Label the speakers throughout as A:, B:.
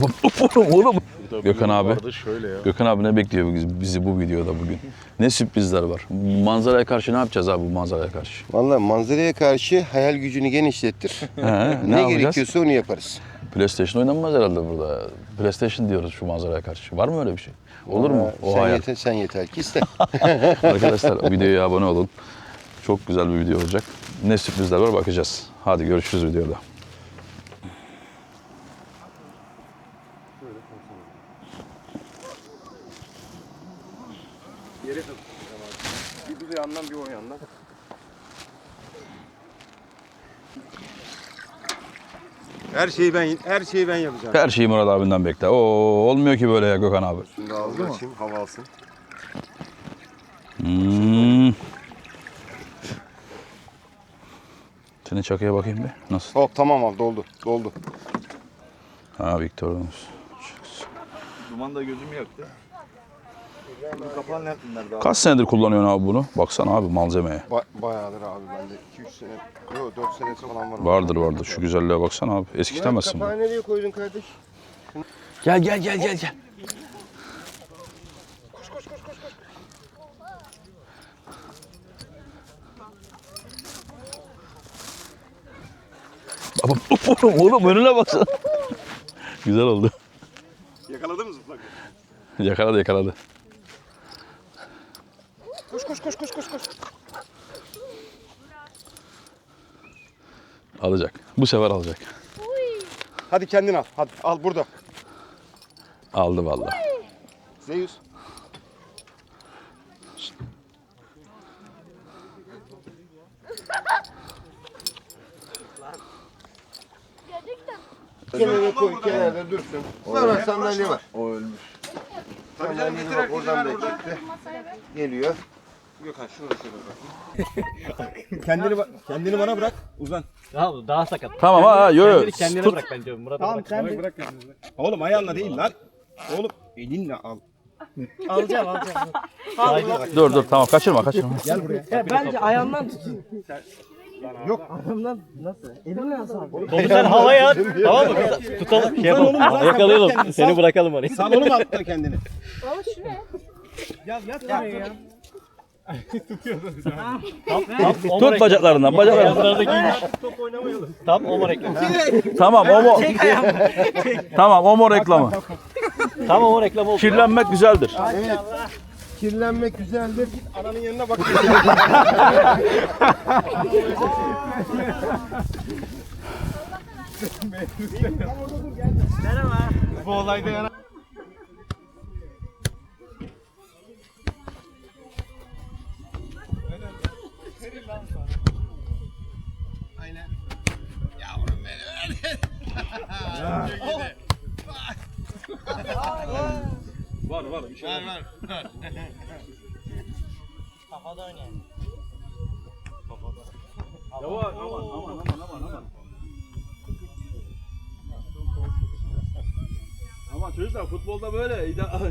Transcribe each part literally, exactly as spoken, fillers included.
A: Oğlum. Gökhan abi.
B: Şöyle ya.
A: Gökhan abi ne bekliyor bizi bu videoda bugün? Ne sürprizler var? Manzaraya karşı ne yapacağız abi bu manzaraya karşı?
C: Vallahi manzaraya karşı hayal gücünü genişlettir.
A: He,
C: ne
A: ne yapacağız?
C: gerekiyorsa onu yaparız.
A: PlayStation oynanmaz herhalde burada. PlayStation diyoruz şu manzaraya karşı. Var mı öyle bir şey? Olur mu?
C: Vallahi
A: O
C: sen
A: hayal.
C: yeter, sen yeter ki iste.
A: Arkadaşlar videoya abone olun. Çok güzel bir video olacak. Ne sürprizler var bakacağız. Hadi görüşürüz videoda.
B: Yere takılacağım abi. Bir bu yandan bir o yandan. Her şeyi ben her şeyi ben yapacağım.
A: Her şeyi Murat abinden bekle. Oo, olmuyor ki böyle ya Gökhan abi.
B: Şimdi ağzını açayım, hava alsın.
A: Hmm. Senin çakıya bakayım bir. Nasıl?
B: Hop tamam abi doldu. Doldu.
A: Ha Victor'umuz.
D: Duman da gözümü yaktı. Bunu kapağı nerede?
A: Kaç senedir kullanıyorsun abi bunu? Baksana abi malzemeye.
B: Ba bayağıdır abi bende iki üç sene, yok dört senesi falan var.
A: Vardır vardır. Şu güzelliğe baksana abi. Eskitemezsin bunu.
C: Kapağı nereye koydun kardeş?
A: Gel gel gel gel gel. Baba oğlum, oğlum önüne baksana. Güzel oldu.
B: Yakaladın mı zıplak?
A: Yakaladı yakaladı.
B: Koş koş koş koş koş koş.
A: Alacak. Bu sefer alacak.
B: Hadi kendin al. Hadi al burada.
A: Aldı vallahi.
B: Zeus.
C: Kenara koy, kenarda dursun. Sonra sandalye var.
D: O ölmüş.
C: Sandalye bak oradan da çıktı. Geliyor.
B: Gökhan şunu da şöyle bırak. kendini ba- kendini bana bırak. Uzan.
E: Daha, daha sakat.
A: Tamam ha yo yo.
E: Kendini kendine
A: Tut.
E: bırak bence Murat.
B: Tamam
E: bırak.
B: sen bırak kendini. Oğlum ayağınla değil lan. Oğlum elinle al.
E: Alacağım alacağım.
A: Dur dur tamam kaçırma kaçırma.
B: Gel buraya.
E: Ya bence ayağımdan tutun.
B: Yok.
E: Ayağımdan nasıl? Elimle nasıl abi? Topu sen havaya at. Tamam mı? Tutalım. Şey yapalım. Yakalayalım. Seni bırakalım oraya.
B: Sal onu mu atla kendini?
F: Baba şu ne?
E: Yat yat ya. Tamam, tamam,
A: Tut bacaklarından bacaklarından.
E: Top oynamayalım. Tamam, Omar reklamı.
A: Tamam o mo. Tamam o mo reklamı.
E: Tamam, Omar reklamı oldu.
A: Kirlenmek güzeldir.
C: Evet. Kirlenmek güzeldir.
B: Ananın yanına bak. Bu olayda yana.
A: Var var bir şey.
B: Ver ver.
E: Kafada oynayalım.
A: Yavaş aman aman aman aman aman. Ama çocuklar futbolda böyle.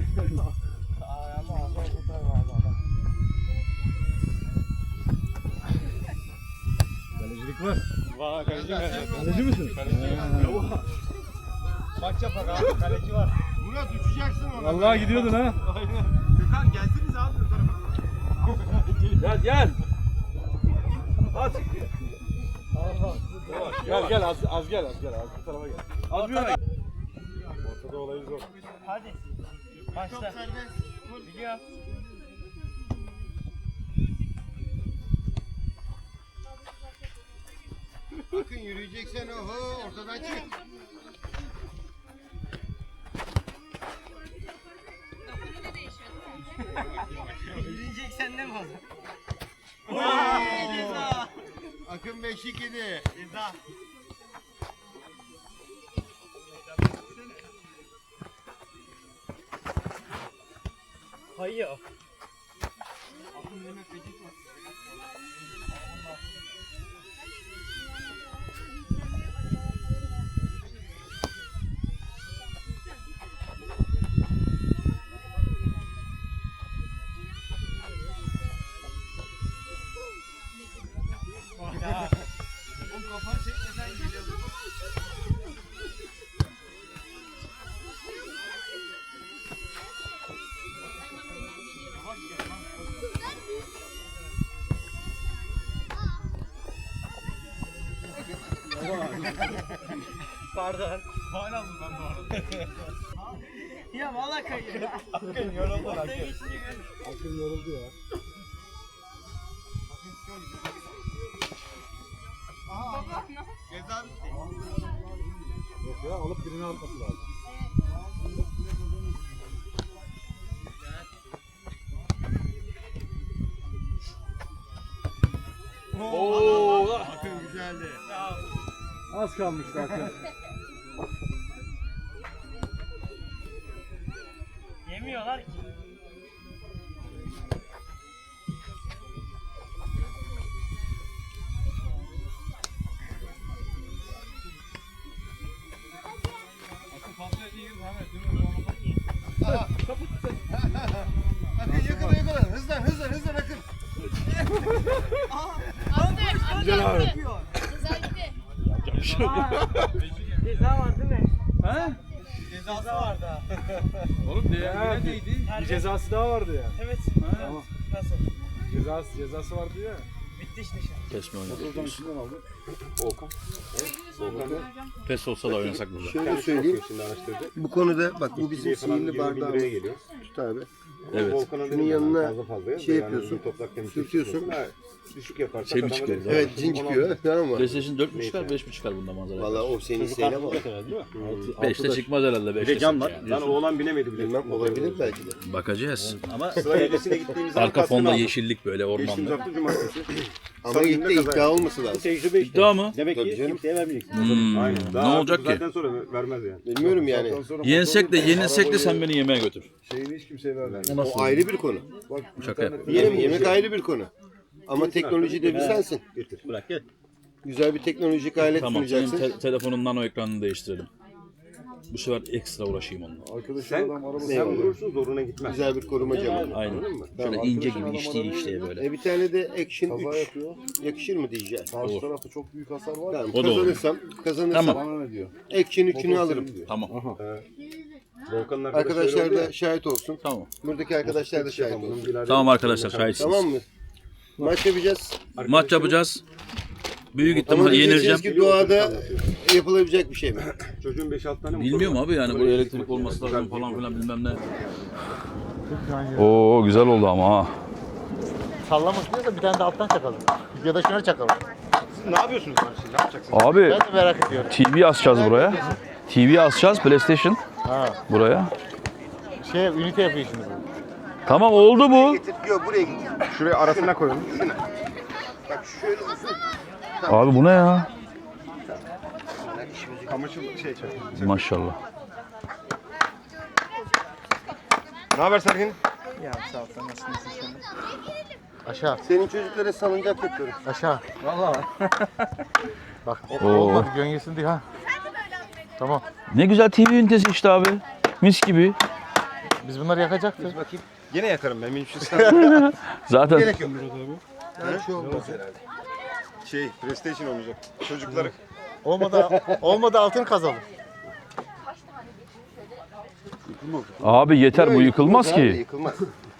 B: Kalecilik var.
E: Vay kaleci mi?
B: Kaleci misin? Maç yapar abi. Kaleci var. Murat uçacaksın ona.
D: Vallahi gidiyordun ha.
B: Aynen. Gökhan gelsiniz abi bu tarafa.
A: Gel gel.
B: Gel gel az, az gel az gel az bu tarafa gel. Az bir yana. Ortada olayı zor.
E: Hadi. Başla. Biliyor.
C: Bakın yürüyeceksen oho ortadan çık.
E: Yürüyeceksen ne mi o zaman?
C: Akın beşik yedi.
E: Ceza. Kayıyor. Pardon. Faal aldım ben bu arada. Ya valla kayıyor.
B: Akın yoruldu Akın. Akın yoruldu ya.
C: Ceza bitti.
B: Yok ya alıp birini atması lazım.
A: Oo.
C: Akın güzeldi.
B: Az kalmıştı Akın.
E: Yemiyorlar ki.
C: Akın yakala yakala. Hızlan hızlan hızlan Akın.
B: Güzel abi.
E: Ceza var değil mi?
B: Ha?
E: Cezası vardı ha.
B: Oğlum diye neydi? Bir cezası daha vardı ya.
E: Evet.
B: Tamam.
E: Nasıl?
B: Cezası cezası vardı ya.
E: Bitti işte şimdi.
A: Kesme oynadık.
B: Oradan içinden aldı.
A: Pes olsa da oynasak burada.
C: Şöyle söyleyeyim. Bu konuda bak bu bizim sihirli bardağımız. Tut abi.
A: Evet.
C: Şunun yanına şey yapıyorsun. Sürtüyorsun.
F: Düşük yaparsak
A: Şey mi
F: adama
A: çıkıyor?
F: da-
C: Evet cin çıkıyor. Tamam mı?
A: PlayStation dört mü çıkar, beş mi çıkar bunda manzara?
C: Valla o senin isteğine bağlı.
A: beşte çıkmaz herhalde. beşte
E: cam var.
A: yani.
F: Lan oğlan bilemedi bile.
C: Bilmem olabilir belki de.
A: Bakacağız.
E: Ama
F: Sıra gecesine gittiğimiz zaman
A: Arka
F: kaskını
A: fonda
F: aldık.
A: yeşillik böyle
F: Geçtiğimiz
A: ormanlı.
F: hafta cumartesi.
C: Ama
F: Salı
C: ilk de
F: günde kaza
C: iddia olması lazım.
F: Tecrübe işte.
A: İddia mı?
F: Demek
C: Tabii
F: ki
C: canım.
F: kimseye vermeyeceksin.
A: Hmm,
F: Aynen.
A: ne
F: Daha
A: olacak
F: bu
A: ki?
F: saatten sonra vermez yani.
C: Bilmiyorum yani.
A: Yensek de yenilsek de sen beni yemeğe götür.
B: Şeyini hiç kimseye vermez.
C: O ayrı bir konu.
B: Bak,
A: Şaka yap.
C: Yemek, yemek ayrı bir konu. Ama teknolojide bir sensin.
E: bırak gel.
C: Güzel bir teknolojik alet
A: Tamam, senin
C: sunacaksın.
A: te- telefonun nano ekranını değiştirelim. Bu sefer ekstra uğraşayım onunla.
B: Arkadaşın
F: Sen,
B: adam arabası
F: sen
C: Eyvallah.
F: vurursun zoruna gitmez.
C: Güzel bir koruma camı.
A: Aynen.
F: Anladın mı?
A: Şöyle
B: Tamam,
A: ince
B: arkadaşın
A: gibi işleye
B: adam
A: işleye böyle.
C: E bir tane de Action
B: kaza
C: üç
B: yapıyor.
C: yakışır mı diyeceğim.
B: Karşı
A: Olur.
B: tarafta çok büyük hasar var.
C: Tamam,
A: O da olur.
C: kazanırsam, kazanırsam
A: Tamam.
B: Bana ne diyor?
C: Action üçünü
B: Motor
C: alırım.
B: senin diyor.
A: Tamam.
F: Volkan'ın
C: Arkadaşlar
F: öyle oldu
C: da şahit olsun.
A: Tamam.
C: Buradaki arkadaşlar da şahit
F: ya. Bunun
C: olsun.
F: birader-
A: Tamam arkadaşlar şahitsiniz.
C: Tamam mı? Maç yapacağız.
A: Maç yapacağız. Büyük
C: Ama
A: ihtimalle
C: diyeceksiniz
A: yenileceğim.
C: ki doğada yapılabilecek bir şey mi?
F: Çocuğun beş altı tane motoru
A: Bilmiyorum
F: var.
A: abi yani
F: Böyle
A: buraya
F: elektrik
A: elektrik olması
F: makinesi,
A: lazım
F: güzel
A: falan
F: bir
A: filan bilmem ne. Oo güzel oldu ama ha.
G: Sallamak istiyorsa bir tane de alttan çakalım. Ya da şuna çakalım.
F: Ne yapıyorsunuz lan siz? Ne yapacaksınız?
A: Abi
G: Ben de merak ediyorum.
A: T V asacağız buraya. T V asacağız PlayStation
G: Ha.
A: buraya.
G: Şey ünite yapıyor şimdi bu.
A: Tamam oldu bu.
C: Getir, yok buraya git.
F: Şuraya arasına koyalım.
C: Bak şöyle uzun.
A: Abi bu ne ya?
F: Kamaşıl şey çek.
A: Maşallah.
F: Ne haber Sergin?
G: Aşağı.
C: Senin çocuklara salıncak yapıyorum.
G: Aşağı. Vallahi. Bak o,
A: Oo.
G: olmadı gönyesin diye ha. Tamam.
A: Ne güzel T V ünitesi işte abi. Mis gibi.
G: Biz bunları yakacaktık.
C: Bakayım.
F: Yine yakarım ben. Benim için sıkıntı
A: Zaten
C: Gerek yok. Her şey olmaz herhalde.
F: Şey, PlayStation oynayacak. Çocukları.
G: Olmadı olmadı altın kazalım.
A: abi yeter bu yıkılmaz
C: Abi,
A: ki.
C: Yıkılmaz.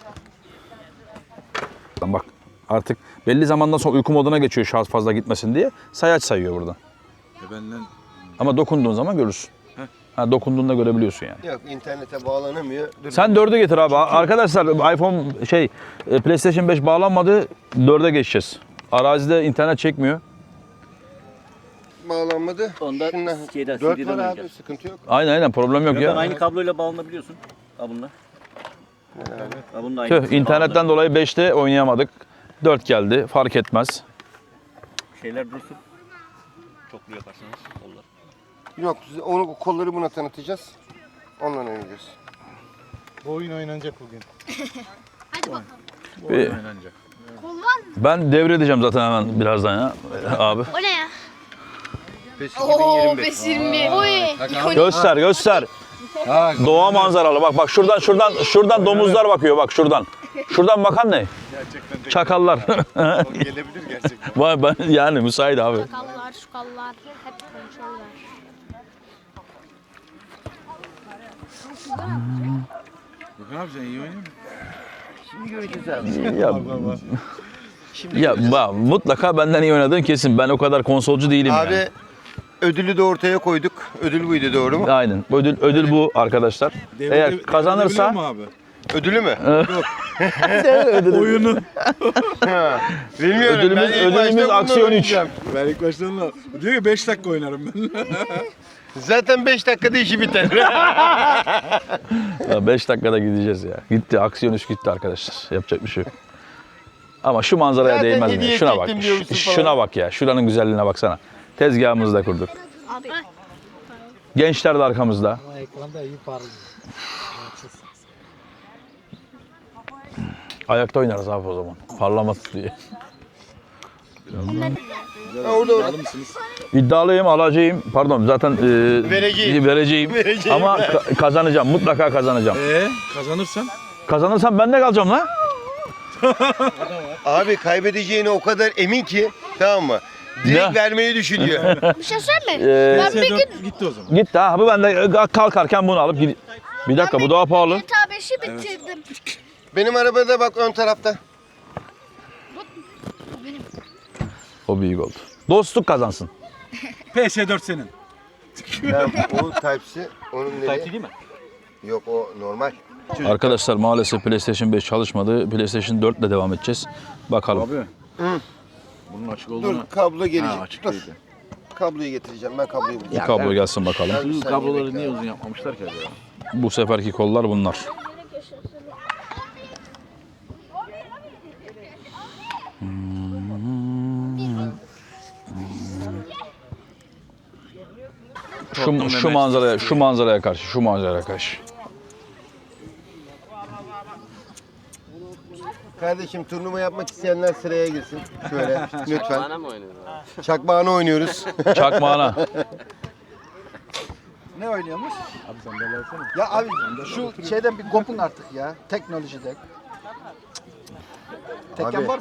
A: Bak artık belli zamandan sonra uyku moduna geçiyor şarj fazla gitmesin diye. Sayaç sayıyor burada. Ama dokunduğun zaman görürsün. Ha, dokunduğunda görebiliyorsun yani.
C: Yok internete bağlanamıyor. Dur.
A: Sen dörde getir abi. Arkadaşlar iPhone şey e, PlayStation beş bağlanmadı. dörde geçeceğiz. Arazide internet çekmiyor.
C: Bağlanmadı.
E: Onda
C: Şundan
E: şeyden,
C: dört
E: C D'den
C: var abi
E: oynayacağız.
C: sıkıntı yok.
A: Aynen aynen problem yok
E: Yok,
A: ya.
E: aynı kabloyla bağlanabiliyorsun. Ha bununla. Ha bununla aynı.
A: Tüh, internetten dolayı beşte oynayamadık. dört geldi. Fark etmez.
E: Şeyler dursun. Çoklu yaparsanız olur.
C: Yok onu kolları buna tanıtacağız. Onunla oynayacağız.
G: Bu oyun oynanacak bugün.
H: Hadi bakalım.
A: Bir-
H: Kol var mı?
A: ben devredeceğim zaten hemen birazdan ya abi.
H: O ne ya?
C: PES
H: Oo, PES yirmi bir. Oy.
A: Göster göster. Doğa manzaralı. Bak bak şuradan şuradan şuradan domuzlar bakıyor bak şuradan. Şuradan bakan ne? Çakallar.
F: Gelebilir gerçekten.
A: Vay ben yani müsait abi.
H: Sakallar, şukallar hep konuşuyorlar.
A: Ya, ya ba- mutlaka benden iyi oynadığın kesin. Ben o kadar konsolcu değilim
C: Abi
A: yani.
C: ödülü de ortaya koyduk. Ödül buydu, doğru mu?
A: Aynen. Ödül ödül bu arkadaşlar. Eğer kazanırsa
D: Biliyor musun abi?
C: Ödülü mü?
D: Oyunu.
C: Bilmiyorum.
A: Ödülümüz-
C: ben ilk başta
A: ödülümüz
C: bundan
A: aksiyon üç.
C: oynayacağım.
D: Ben ilk baştan da diyor ki beş dakika oynarım ben.
C: Zaten beş dakikada işi biter.
A: beş dakikada gideceğiz ya. Gitti. Aksiyon üç gitti arkadaşlar. Yapacak bir şey yok. Ama şu manzaraya
C: Zaten
A: değmez mi?
C: hediye
A: Şuna bak.
C: çektim diyormuşsun
A: Ş-
C: falan.
A: Şuna bak ya. Şuranın güzelliğine baksana. Tezgahımızı da kurduk.
H: Abi.
A: Gençler de arkamızda.
G: Ekranda iyi parlıyor.
A: Ayakta oynarız abi o zaman. Parlaması diye.
C: Ha, orada orada.
A: İddialıyım, alacağım. Pardon zaten e,
C: Vereceğim.
A: vereceğim.
C: Vereceğim.
A: Ama ka- kazanacağım. Mutlaka kazanacağım.
D: Eee kazanırsan?
A: Kazanırsam ben de kalacağım lan.
C: Abi kaybedeceğine o kadar emin ki, tamam mı? Direkt
A: Ne?
C: vermeyi düşünüyor.
H: Bir şey söyleyeyim mi?
A: Ee,
H: Ben bir gün
D: Gitti o zaman.
A: Gitti ha. Bu ben de e, kalkarken bunu alıp gideyim. Bir dakika bu daha pahalı.
H: G T A beşi bitirdim.
C: Benim arabada bak ön tarafta.
H: Bu benim.
A: O büyük oldu. Dostluk kazansın.
D: P S dört senin.
C: Ben, o Type-C, onun nereye?
E: Type-C değil mi?
C: Yok, o normal.
A: Arkadaşlar maalesef PlayStation beş çalışmadı. PlayStation dört ile devam edeceğiz. Bakalım.
D: Abi.
C: Hı.
D: Bunun açık
C: Dur,
D: olduğunu.
C: kablo gelecek.
D: Ha, açık
C: Dur.
D: değildi.
C: Kabloyu getireceğim. Ben kabloyu bulacağım.
A: Kablo gelsin bakalım.
D: Bu kabloları niye uzun yapmamışlar ki acaba?
A: Bu seferki kollar bunlar. Şu, şu manzaraya, şu manzaraya karşı, şu manzaraya karşı.
C: Kardeşim, turnuva yapmak isteyenler sıraya girsin. Şöyle lütfen. Çakmağını oynuyoruz.
A: Çakmağına.
D: Ne oynuyormuş?
I: Ya abi şu şeyden bir kopun artık ya. Teknolojide. Tekken
C: Abi.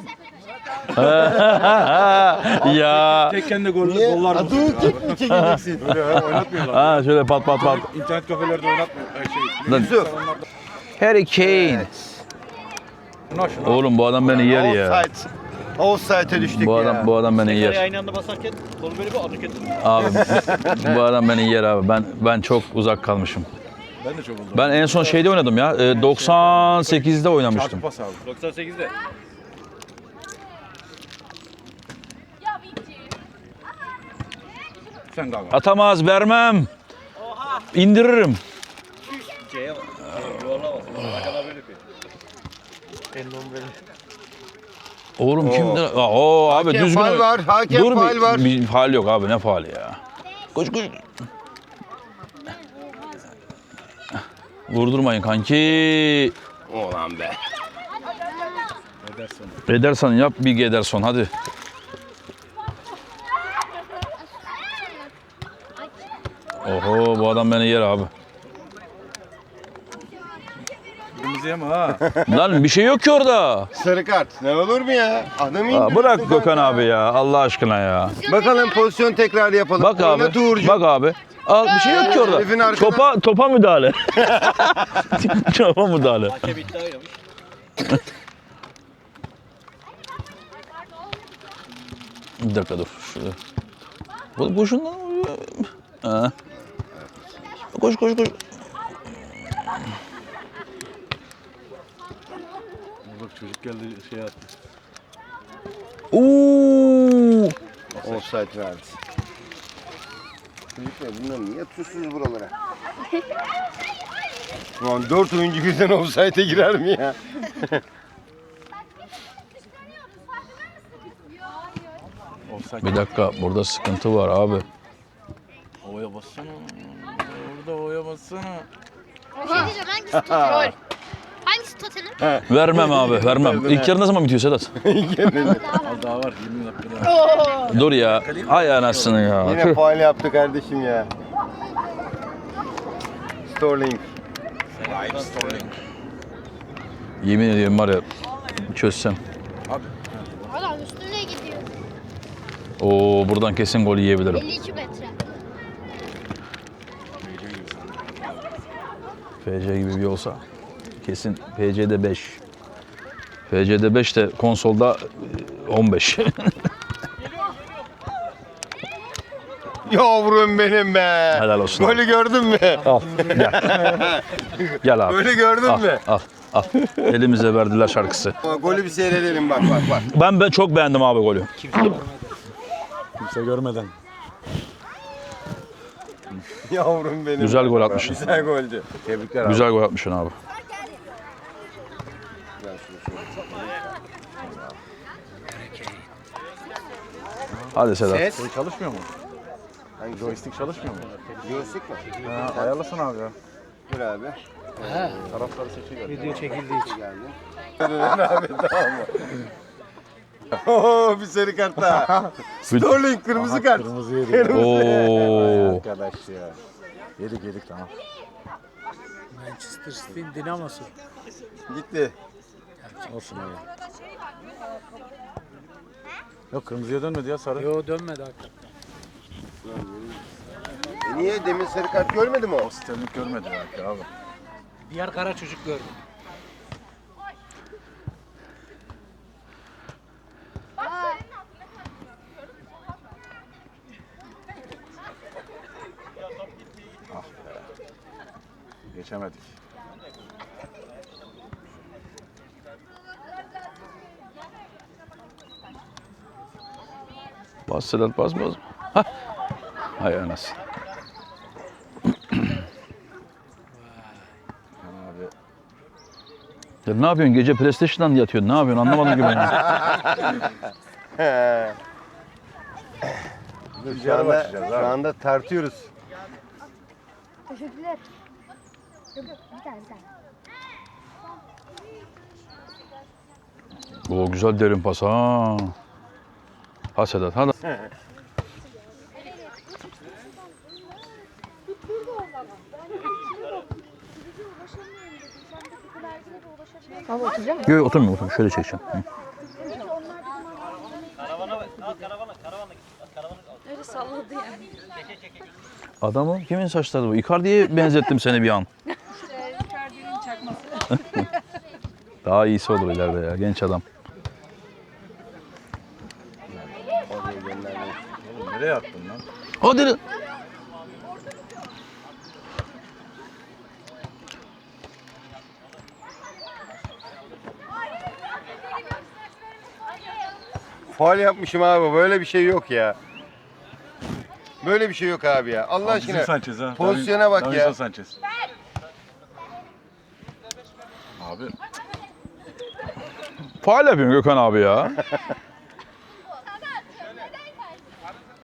I: var mı?
A: Ya.
D: Tekken gol,
C: Niye?
D: gollar mı?
C: Adı kek mi çekeceksin?
D: Öyle ha, oynatmıyorlar.
A: Ha şöyle pat pat pat.
D: İnternet kafelerde oynatmıyor. Her şey.
A: Lan.
C: Yusuf.
A: Harry Kane. Oğlum bu adam beni yer ya.
C: Offside. Offside'e düştük
A: Bu
C: ya.
A: adam bu adam beni
E: Tekrarı
A: yer.
E: aynı anda basarken kolu böyle bir adık ettim.
A: Abi bu adam beni yer abi. Ben ben çok uzak kalmışım.
D: Ben de çok oldum.
A: Ben en son şeyde oynadım ya. e, doksan sekizde oynamıştım.
D: Çarpı pas aldım.
E: doksan sekizde.
D: Sen kalma.
A: Atamaz, vermem. İndiririm.
E: C'ye bak. Yuvarlamaz. Arkana böyle yapıyor.
A: Oğlum kimdir? Aa, Oo abi
C: Hakem
A: düzgün.
C: faul
A: oyn-
C: var, hakem
A: Dur
C: faul
A: bir,
C: var.
A: bir faul yok abi, ne faali ya? Koş koş. Vurdurmayın kanki.
C: Ulan be.
A: Ederson yap, Big Ederson hadi. Oho bu adam beni yer abi.
D: Kırmızıya mı ha?
A: Lan bir şey yok ki orada.
C: Sarı kart. Ne olur mu ya? Adamı
A: Aa,
C: indiriyorsun
A: bırak
C: kanka.
A: Gökhan abi ya Allah aşkına ya.
C: Bakalım pozisyon tekrar yapalım.
A: Bak abi.
C: Oynat Uğurcuğum.
A: Bak abi. Al bir şey yok ki orada.
C: Herifin arkada-
A: Topa topa müdahale. Topa müdahale.
E: Hakem iddia oynamış.
A: Bir dakika dur. Şurada. Bu boşundan ha. Koş koş koş.
D: Bak çocuk geldi şey attı.
A: Oo!
C: Offside verdi. Çocuklar bunlar niye atıyorsunuz buralara? Ulan dört oyuncu birden offside'e girer mi ya?
D: Offside.
A: Bir dakika burada sıkıntı var abi.
D: Ovaya bassana. Orada ovaya bassana.
H: Bir şey diyeceğim, hangisi total? Hangisi totalin?
A: Vermem abi vermem. İlk yarı ne zaman bitiyor Sedat?
D: Az daha var. yirmi dakika daha.
A: Dur ya. Ay anasını ya.
C: Yine faul yaptı kardeşim ya. Sterling.
A: Yemin ediyorum var ya çözsem.
H: Adam üstüne gidiyor.
A: Oo buradan kesin gol yiyebilirim.
H: elli iki metre.
A: F C gibi bir olsa kesin F C'de beş. F C'de beş de konsolda on beş.
F: Yavrum benim be.
A: Helal olsun.
F: Golü gördün mü?
A: Al. Gel. Gel abi.
F: Golü gördün
A: Al,
F: mü?
A: al, al. Elimize verdiler şarkısı.
F: Golü bir seyredelim bak bak bak.
A: Ben ben çok beğendim abi golü.
D: Kimse görmeden.
F: Yavrum benim.
A: Güzel gol atmışsın.
F: Güzel goldü.
D: Tebrikler abi.
A: Güzel gol atmışsın abi. Hadi Sedat.
F: Ses.
D: Şey çalışmıyor mu?
F: Hangi
D: Joystick çalışmıyor mu?
F: Joystick mi?
D: Ha, ayarlasın abi ya.
F: Dur abi.
D: Tarafları seçiyor.
G: Video çekildiği için.
F: abi tamam mı? Oo bir sarı kart daha. Sterling kırmızı kart.
D: Kırmızı yedik.
A: Oo.
D: Arkadaş ya. Yedik yedik tamam.
G: Manchester City'nin dinamosu.
F: Gitti.
D: Olsun abi. Yok kırmızıya dönmedi ya sarı.
G: Yo dönmedi hakikaten.
F: E niye demin sarı kart görmedi mi o?
D: Sterling görmedi belki abi.
G: Bir yer kara çocuk gördüm.
D: Geçemedik.
A: Bas Sedat bas bas. Hah. Hay anasını.
D: Abi.
A: Ya ne yapıyorsun? Gece PlayStation'dan yatıyorsun. Ne yapıyorsun? Anlamadım ki ben. ya.
F: Şu
D: Dışarı
F: anda,
D: başlayacağız
F: şu
D: abi.
F: anda tartıyoruz.
H: Teşekkürler. Yok yok bir tane bir tane.
A: Oo güzel derin pas ha. Ha Sedat hadi.
H: Abi oturacağım mı?
A: Yok oturmuyor oturmuyor. Şöyle çekeceğim. Hı.
H: Öyle salladı yani.
A: Adamı kimin saçları bu? Icardi'ye benzettim seni bir an.
H: Icardi'nin çakması.
A: Daha iyisi olur ileride ya genç adam.
D: Oğlum nereye attın lan?
A: Hadi lan.
F: Faul yapmışım abi. Böyle bir şey yok ya. Böyle bir şey yok abi ya. Allah
D: Bizim
F: aşkına.
D: Sanchez ha.
F: Pozisyona bak
D: Davinson
F: ya.
D: Sanchez. Abi
A: Faal yapıyorsun Gökhan abi ya.